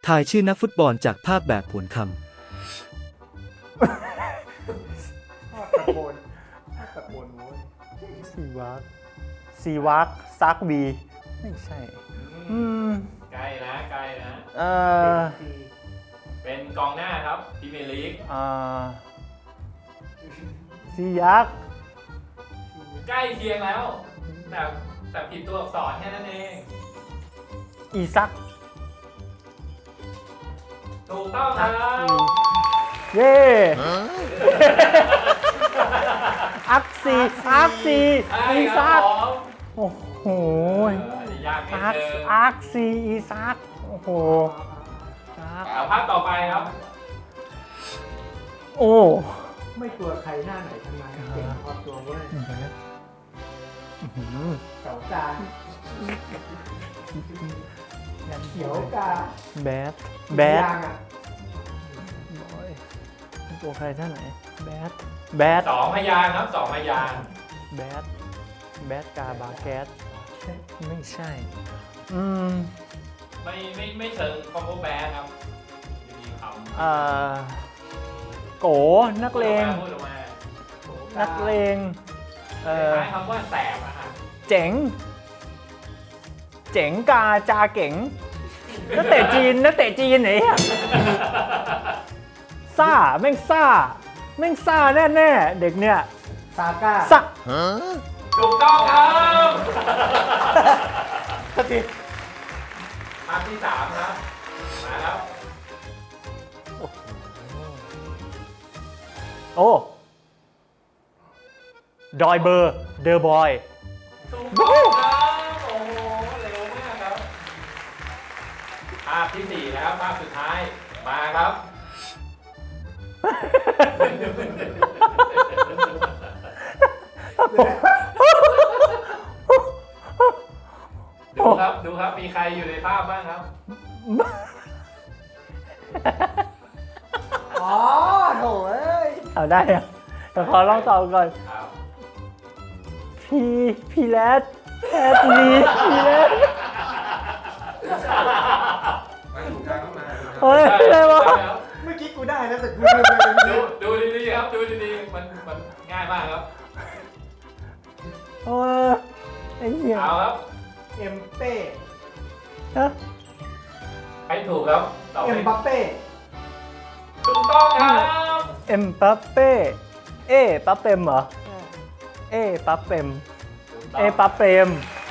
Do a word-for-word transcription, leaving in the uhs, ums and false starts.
ทายชื่อนักฟุตบอลจากภาพแบบผลคำตะโกนตะโกนโว้ยซีวักซีวักซักบีไม่ใช่ อืมใกล้นะใกล้นะเอ่อเป็นกองหน้าครับพรีเมียร์ลีกเอ่อซียักษ์ใกล้เคียงแล้ว แต่แต่ผิดตัวอักษรแค่นั้นเองอีซักถูกต้องครับเย่อักซีอักซีใช่อีครัซับกผมโอ้โหอันนี้ยากนิดอักนึงอักซีอีซักโอ้โหซักเอาภาพต่อไปครับโอ้ไม่กลัวใครหน้าไหนทั้งนั้นเก่งพอตัวเว้ยอื้อหือเสากาเขียวกาแบดแบดยางอ่ะโอ้ยตัวใครท่านไหนแบดแบดสองพยางค์ครับสองพยางค์แบดแบดกาบาแกสไม่ใช่ อืมไม่ไม่ไม่เชิงคอมโบแบนครับมีคำเอ่อโกนักเลงพูดออกมานักเลงเอ่อคล้ายๆคำว่าแสบอะฮะเจ๋ง เจ๋งกาจาเก๋งนักเตะจีนนักเตะจีนไหนอะซ่าแม่งซ่าแม่งซ่าแน่ๆเด็กเนี่ยซาก้าซ่าถูกต้องครับสติภาพที่สามครับมาแล้วโอ้ดอยเบอร์เดอะบอยถูกต้องครับโอ้โหเร็วมากครับภาพที่สี่แล้วภาพสุดท้ายมาครับ ดูครับดูครับมีใครอยู่ในภาพบ้างครับอ๋อโถเอ้ยเอาได้อะแต่ขอลองตอบก่อนครับพีพีแรดแอดลีพีแรดเฮ้ยอะไรวะเมื่อกี้กูได้แล้วแต่กูลืมไปเป็นดูเรื่องดูดีๆครับดูดีๆมันมันง่ายมากครับเออไอ้เหี้ยเอาครับเอ็มเป้ฮะใครถูกครับตอบเอ็มเลยบัปเป้ถูกต้องครับเอ็มปัปเป้เอปัปเปมเหรอเอปัปเปมถูกต้งเอปัปเปมถ